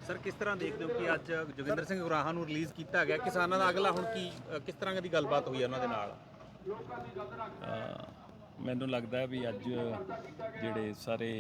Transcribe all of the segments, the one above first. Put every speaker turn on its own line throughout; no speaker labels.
Sir ਕਿਸ ਤਰ੍ਹਾਂ ਦੇਖਦੇ ਹੋ ਕਿ ਅੱਜ ਜੋਗਿੰਦਰ ਸਿੰਘ ਗੁਰਾਹਾਂ ਨੂੰ ਰਿਲੀਜ਼ ਕੀਤਾ ਗਿਆ, ਕਿਸਾਨਾਂ ਦਾ ਅਗਲਾ ਹੁਣ ਕੀ ਕਿਸ ਤਰ੍ਹਾਂ ਦੀ ਗੱਲਬਾਤ ਹੋਈ ਹੈ ਉਹਨਾਂ ਦੇ ਨਾਲ?
ਮੈਨੂੰ ਲੱਗਦਾ ਵੀ ਅੱਜ ਜਿਹੜੇ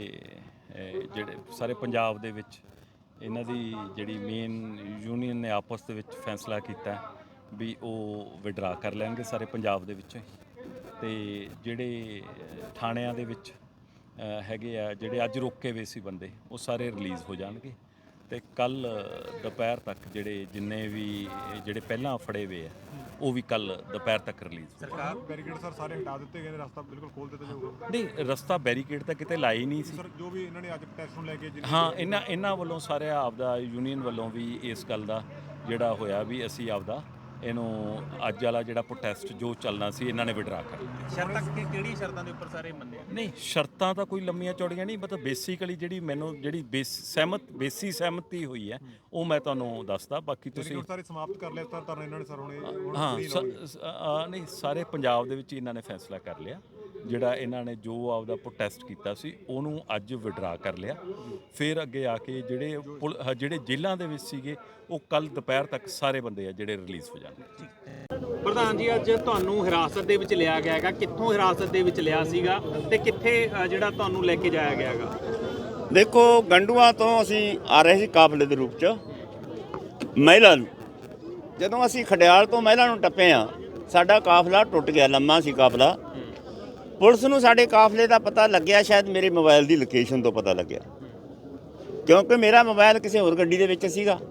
ਸਾਰੇ ਪੰਜਾਬ ਦੇ ਵਿੱਚ ਇਹਨਾਂ ਦੀ ਜਿਹੜੀ ਮੇਨ ਯੂਨੀਅਨ ਨੇ ਆਪਸ ਦੇ ਵਿੱਚ ਫੈਸਲਾ ਕੀਤਾ ਵੀ ਉਹ ਵਿਡਰਾ ਕਰ ਲੈਣਗੇ ਸਾਰੇ ਪੰਜਾਬ ਦੇ ਵਿੱਚ। ਤੇ ਜਿਹੜੇ ਥਾਣਿਆਂ ਦੇ ਵਿੱਚ ਹੈਗੇ ਆ ਜਿਹੜੇ ਅੱਜ ਰੋਕੇ ਹੋਏ ਸੀ ਬੰਦੇ, ਉਹ ਸਾਰੇ ਰਿਲੀਜ਼ ਹੋ ਜਾਣਗੇ। ਤੇ ਕੱਲ ਦੁਪਹਿਰ ਤੱਕ ਜਿੰਨੇ ਵੀ ਪਹਿਲਾਂ ਫੜੇ ਹੋਏ ਆ ਉਹ ਵੀ ਕੱਲ ਦੁਪਹਿਰ ਤੱਕ ਰਿਲੀਜ਼।
ਸਰਕਾਰ ਬੈਰੀਕੇਡ ਸਰ ਸਾਰੇ ਹਟਾ ਦਿੱਤੇ ਗਏ ਨੇ, ਰਸਤਾ ਬਿਲਕੁਲ ਖੋਲ ਦਿੱਤਾ ਜਾਊਗਾ?
ਨਹੀਂ, ਰਸਤਾ ਬੈਰੀਕੇਡ ਤਾਂ ਕਿਤੇ ਲਾਈ ਨਹੀਂ ਸੀ
ਸਰ। ਜੋ ਵੀ ਇਹਨਾਂ ਨੇ ਅੱਜ ਪ੍ਰੋਟੈਸਟ ਨੂੰ ਲੈ ਕੇ
ਹਾਂ, ਇਹਨਾਂ ਵੱਲੋਂ ਸਾਰੇ ਆਪਦਾ ਯੂਨੀਅਨ ਵੱਲੋਂ ਵੀ ਇਸ ਗੱਲ ਦਾ ਜਿਹੜਾ ਹੋਇਆ ਵੀ ਅਸੀਂ ਆਪਦਾ ਇਹਨੂੰ ਅੱਜ ਵਾਲਾ ਜਿਹੜਾ ਪ੍ਰੋਟੈਸਟ ਜੋ ਚੱਲਣਾ ਸੀ ਇਹਨਾਂ ਨੇ ਵਿਡਰਾ ਕਰ ਲਿਆ।
ਸ਼ਰਤਾਂ ਕਿਹੜੀ ਸ਼ਰਤਾਂ ਦੇ ਉੱਪਰ ਸਾਰੇ ਮੰਨੇ?
ਨਹੀਂ, ਸ਼ਰਤਾਂ ਤਾਂ ਕੋਈ ਲੰਮੀਆਂ ਚੌੜੀਆਂ ਨਹੀਂ, ਮਤਲਬ ਬੇਸਿਕਲੀ ਜਿਹੜੀ ਬੇਸੀ ਸਹਿਮਤੀ ਹੋਈ ਹੈ ਉਹ ਮੈਂ ਤੁਹਾਨੂੰ ਦੱਸਦਾ। ਬਾਕੀ ਤੁਸੀਂ
ਸਾਰੇ ਸਮਾਪਤ ਕਰ ਲਿਆ ਸਰ ਧਰਨਾ ਇਹਨਾਂ ਨੇ ਸਰ ਹੁਣੇ?
ਹਾਂ, ਨਹੀਂ, ਸਾਰੇ ਪੰਜਾਬ ਦੇ ਵਿੱਚ ਇਹਨਾਂ ਨੇ ਫੈਸਲਾ ਕਰ ਲਿਆ। ਜਿਹੜਾ ਇਹਨਾਂ ਨੇ ਜੋ ਆਪਦਾ ਪ੍ਰੋਟੈਸਟ ਕੀਤਾ ਸੀ ਉਹਨੂੰ ਅੱਜ ਵਿਡਰਾ ਕਰ ਲਿਆ। ਫਿਰ ਅੱਗੇ ਆ ਕੇ ਜਿਹੜੇ ਜੇਲ੍ਹਾਂ ਦੇ ਵਿੱਚ ਸੀਗੇ ਉਹ ਕੱਲ ਦੁਪਹਿਰ ਤੱਕ ਸਾਰੇ ਬੰਦੇ ਆ ਜਿਹੜੇ ਰਿਲੀਜ਼ ਹੋ ਜਾਣਗੇ।
ਪ੍ਰਧਾਨ ਜੀ, ਅੱਜ ਤੁਹਾਨੂੰ ਹਿਰਾਸਤ ਦੇ ਵਿੱਚ ਲਿਆ ਗਿਆ ਹੈਗਾ, ਕਿੱਥੋਂ ਹਿਰਾਸਤ ਦੇ ਵਿੱਚ ਲਿਆ ਸੀਗਾ ਤੇ ਕਿੱਥੇ ਜਿਹੜਾ ਤੁਹਾਨੂੰ ਲੈ ਕੇ ਜਾਇਆ ਗਿਆ ਹੈਗਾ?
ਦੇਖੋ, ਗੰਡੂਆਂ ਤੋਂ ਅਸੀਂ ਆ ਰਹੇ ਸੀ ਕਾਫਲੇ ਦੇ ਰੂਪ 'ਚ ਮਹਿਲਾ ਨੂੰ। ਜਦੋਂ ਅਸੀਂ ਖਡਿਆਲ ਤੋਂ ਮਹਿਲਾ ਨੂੰ ਟੱਪੇ ਆ, ਸਾਡਾ ਕਾਫਲਾ ਟੁੱਟ ਗਿਆ, ਲੰਮਾ ਸੀ ਕਾਫਲਾ। ਪੁਲਿਸ ਨੂੰ ਸਾਡੇ ਕਾਫਲੇ ਦਾ ਪਤਾ ਲੱਗਿਆ, ਸ਼ਾਇਦ ਮੇਰੇ ਮੋਬਾਈਲ ਦੀ ਲੋਕੇਸ਼ਨ ਤੋਂ ਪਤਾ ਲੱਗਿਆ, ਕਿਉਂਕਿ ਮੇਰਾ ਮੋਬਾਈਲ ਕਿਸੇ ਹੋਰ ਗੱਡੀ ਦੇ ਵਿੱਚ ਸੀਗਾ।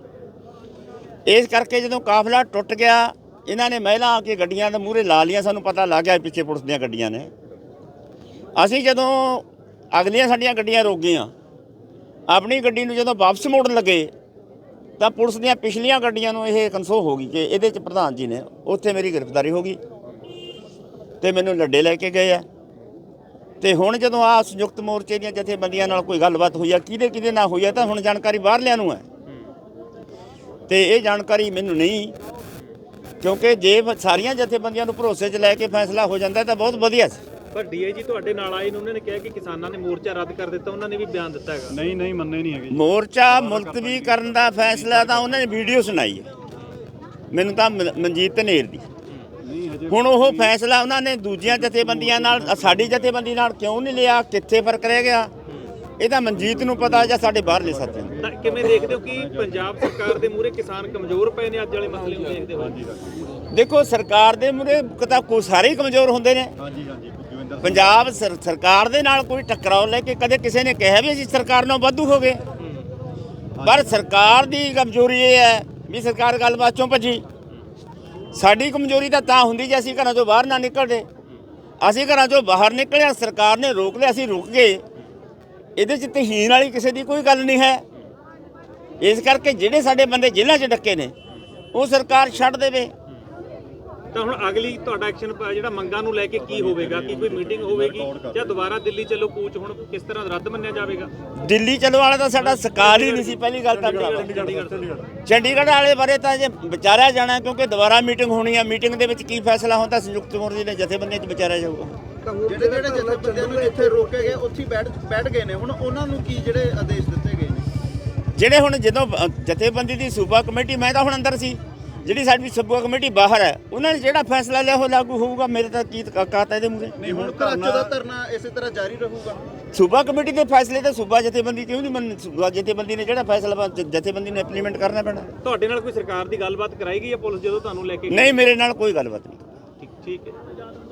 ਇਸ ਕਰਕੇ ਜਦੋਂ ਕਾਫਲਾ ਟੁੱਟ ਗਿਆ, ਇਹਨਾਂ ਨੇ ਮਹਿਲਾ ਆ ਕੇ ਗੱਡੀਆਂ ਦੇ ਮੂਹਰੇ ਲਾ ਲੀਆਂ। ਸਾਨੂੰ ਪਤਾ ਲੱਗ ਗਿਆ ਪਿੱਛੇ ਪੁਲਿਸ ਦੀਆਂ ਗੱਡੀਆਂ ਨੇ। ਅਸੀਂ ਜਦੋਂ ਅਗਲੀਆਂ ਸਾਡੀਆਂ ਗੱਡੀਆਂ ਰੋਕ ਗਈਆਂ, ਆਪਣੀ ਗੱਡੀ ਨੂੰ ਜਦੋਂ ਵਾਪਸ ਮੋੜਨ ਲੱਗੇ ਤਾਂ ਪੁਲਿਸ ਦੀਆਂ ਪਿਛਲੀਆਂ ਗੱਡੀਆਂ ਨੂੰ ਇਹ ਕਨਸੋ ਹੋ ਗਈ ਕਿ ਇਹਦੇ 'ਚ ਪ੍ਰਧਾਨ ਜੀ ਨੇ। ਉੱਥੇ ਮੇਰੀ ਗ੍ਰਿਫਤਾਰੀ ਹੋ ਗਈ ਤੇ ਮੈਨੂੰ ਲੱਡੇ ਲੈ ਕੇ ਗਏ ਆ। ਤੇ ਹੁਣ ਜਦੋਂ ਆ ਸੰਯੁਕਤ ਮੋਰਚੇ ਦੀਆਂ ਜਥੇਬੰਦੀਆਂ ਨਾਲ ਕੋਈ ਗੱਲਬਾਤ ਹੋਈ ਆ, ਕਿਹਦੇ ਨਾਲ ਹੋਈ ਆ, ਤਾਂ ਹੁਣ ਜਾਣਕਾਰੀ ਬਾਹਰਲਿਆਂ ਨੂੰ ਹੈ ਤੇ ਇਹ ਜਾਣਕਾਰੀ ਮੈਨੂੰ ਨਹੀਂ। ਕਿਉਂਕਿ ਜੇ ਸਾਰੀਆਂ ਜਥੇਬੰਦੀਆਂ ਨੂੰ ਭਰੋਸੇ 'ਚ ਲੈ ਕੇ ਫੈਸਲਾ ਹੋ ਜਾਂਦਾ ਤਾਂ ਬਹੁਤ ਵਧੀਆ ਸੀ।
ਪਰ ਡੀਆਈਜੀ ਤੁਹਾਡੇ ਨਾਲ ਆਏ ਨੇ, ਉਹਨਾਂ ਨੇ ਕਿਹਾ ਕਿ ਕਿਸਾਨਾਂ ਨੇ ਮੋਰਚਾ ਰੱਦ ਕਰ ਦਿੱਤਾ। ਉਹਨਾਂ ਨੇ ਵੀ ਬਿਆਨ ਦਿੱਤਾ ਹੈਗਾ।
ਨਹੀਂ ਮੰਨੇ ਨਹੀਂ ਹੈਗੇ।
ਮੋਰਚਾ ਮੁਲਤਵੀ ਕਰਨ ਦਾ ਫੈਸਲਾ ਤਾਂ ਉਹਨਾਂ ਨੇ ਵੀਡੀਓ ਸੁਣਾਈ ਹੈ ਮੈਨੂੰ, ਤਾਂ ਮਨਜੀਤ ਧਨੇਰ ਦੀ। ਹੁਣ ਉਹ ਫੈਸਲਾ ਉਹਨਾਂ ਨੇ ਦੂਜੀਆਂ ਜਥੇਬੰਦੀਆਂ ਨਾਲ, ਸਾਡੀ ਜਥੇਬੰਦੀ ਨਾਲ ਕਿਉਂ ਨਹੀਂ ਲਿਆ? ਕਿੱਥੇ ਫਰਕ ਰਹਿ ਗਿਆ? ਇਹ ਤਾਂ ਮਨਜੀਤ ਨੂੰ ਪਤਾ ਜਾਂ ਸਾਡੇ ਬਾਹਰਲੇ ਸਾਥੀਆਂ ਨੂੰ।
ਤਾਂ ਕਿਵੇਂ ਦੇਖਦੇ ਹੋ ਕਿ ਪੰਜਾਬ ਸਰਕਾਰ ਦੇ ਮੂਹਰੇ ਕਿਸਾਨ ਕਮਜ਼ੋਰ ਪਏ ਨੇ? ਅੱਜ ਵਾਲੇ ਮਸਲੇ ਨੂੰ ਦੇਖਦੇ ਹੋ?
ਦੇਖੋ, ਸਰਕਾਰ ਦੇ ਮੂਹਰੇ ਤਾਂ ਸਾਰੇ ਹੀ ਕਮਜ਼ੋਰ ਹੁੰਦੇ ਨੇ। ਪੰਜਾਬ ਸਰਕਾਰ ਦੇ ਨਾਲ ਕੋਈ ਟਕਰਾਓ ਲੈ ਕੇ ਕਦੇ ਕਿਸੇ ਨੇ ਕਿਹਾ ਵੀ ਅਸੀਂ ਸਰਕਾਰ ਨਾਲ ਵਾਧੂ ਹੋ ਗਏ? ਪਰ ਸਰਕਾਰ ਦੀ ਕਮਜ਼ੋਰੀ ਇਹ ਹੈ ਵੀ ਸਰਕਾਰ ਗੱਲਬਾਤ ਚੋਂ ਭੱਜੀ। ਸਾਡੀ ਕਮਜ਼ੋਰੀ ਤਾਂ ਹੁੰਦੀ ਜੇ ਅਸੀਂ ਘਰਾਂ ਚੋਂ ਬਾਹਰ ਨਾ ਨਿਕਲਦੇ। ਅਸੀਂ ਘਰਾਂ ਚੋਂ ਬਾਹਰ ਨਿਕਲਿਆ, ਸਰਕਾਰ ਨੇ ਰੋਕ ਲਿਆ, ਅਸੀਂ ਰੁਕ ਗਏ। ਇਹਦੇ 'ਚ ਤਹੀਨ ਵਾਲੀ ਕਿਸੇ ਦੀ ਕੋਈ ਗੱਲ ਨਹੀਂ ਹੈ। ਇਸ ਕਰਕੇ ਜਿਹੜੇ ਸਾਡੇ ਬੰਦੇ ਜੇਲ੍ਹਾਂ 'ਚ ਡੱਕੇ ਨੇ ਉਹ ਸਰਕਾਰ ਛੱਡ ਦੇਵੇ।
ਤਾਂ ਹੁਣ ਅਗਲੀ ਤੁਹਾਡਾ ਐਕਸ਼ਨ ਜਿਹੜਾ ਮੰਗਾਂ ਨੂੰ ਲੈ ਕੇ ਕੀ ਹੋਵੇਗਾ? ਕੀ ਕੋਈ ਮੀਟਿੰਗ ਹੋਵੇਗੀ ਜਾਂ ਦੁਬਾਰਾ ਦਿੱਲੀ ਚੱਲੋ ਕੂਚ ਹੁਣ ਕਿਸ ਤਰ੍ਹਾਂ ਰੱਦ ਮੰਨਿਆ ਜਾਵੇਗਾ?
ਦਿੱਲੀ ਚੱਲੋ ਵਾਲਾ ਤਾਂ ਸਾਡਾ ਸਕਾਰ ਹੀ ਨਹੀਂ ਸੀ ਪਹਿਲੀ ਗੱਲ ਤਾਂ। ਚੰਡੀਗੜ੍ਹ ਵਾਲੇ ਬਾਰੇ ਤਾਂ ਜੇ ਵਿਚਾਰਿਆ ਜਾਣਾ, ਕਿਉਂਕਿ ਦੁਬਾਰਾ ਮੀਟਿੰਗ ਹੋਣੀ ਆ। ਮੀਟਿੰਗ ਦੇ ਵਿੱਚ ਕੀ ਫੈਸਲਾ ਹੁੰਦਾ ਸੰਯੁਕਤ ਮੋਰਚੇ ਦੇ ਜਥੇਬੰਦੀਆਂ 'ਚ ਵਿਚਾਰਿਆ ਜਾਊਗਾ।
ਜਿਹੜੇ ਜਥੇਬੰਦੀਆਂ ਨੂੰ ਇੱਥੇ ਰੋਕੇ ਗਏ ਉੱਥੇ ਬੈਠ ਗਏ ਨੇ, ਹੁਣ ਉਹਨਾਂ ਨੂੰ ਕੀ ਜਿਹੜੇ ਆਦੇਸ਼ ਦਿੱਤੇ ਗਏ ਨੇ?
ਜਿਹੜੇ ਹੁਣ ਜਦੋਂ ਜਥੇਬੰਦੀ ਦੀ ਸੂਬਾ ਕਮੇਟੀ, ਮੈਂ ਤਾਂ ਹੁਣ ਅੰਦਰ ਸੀ, ਜਿਹੜੀ ਸਾਡੀ ਸੂਬਾ ਕਮੇਟੀ ਬਾਹਰ ਹੈ, ਉਹਨਾਂ ਨੇ ਜਿਹੜਾ ਫੈਸਲਾ ਲਿਆ ਉਹ ਲਾਗੂ ਹੋਊਗਾ। ਮੇਰੇ ਤਾਂ ਕੀ ਕਾਤਾ ਇਹਦੇ ਮੂਹਰੇ?
ਨਹੀਂ, ਹੁਣ ਤਾਂ ਅੱਜ ਦਾ ਧਰਨਾ ਇਸੇ ਤਰ੍ਹਾਂ ਜਾਰੀ ਰਹੂਗਾ।
ਸੂਬਾ ਕਮੇਟੀ ਦੇ ਫੈਸਲੇ ਤਾਂ ਸੂਬਾ ਜਥੇਬੰਦੀ ਕਿਉਂ ਨਹੀਂ ਮੰਨ? ਸੂਬਾ ਜਥੇਬੰਦੀ ਨੇ ਜਿਹੜਾ ਫੈਸਲਾ ਜਥੇਬੰਦੀ ਨੇ ਇੰਪਲੀਮੈਂਟ ਕਰਨਾ ਪੈਣਾ।
ਤੁਹਾਡੇ ਨਾਲ ਕੋਈ ਸਰਕਾਰ ਦੀ ਗੱਲਬਾਤ ਕਰਾਈ ਗਈ ਹੈ ਪੁਲਿਸ ਜਦੋਂ ਤੁਹਾਨੂੰ ਲੈ ਕੇ?
ਨਹੀਂ, ਮੇਰੇ ਨਾਲ ਕੋਈ ਗੱਲਬਾਤ ਨਹੀਂ।
ਠੀਕ ਹੈ।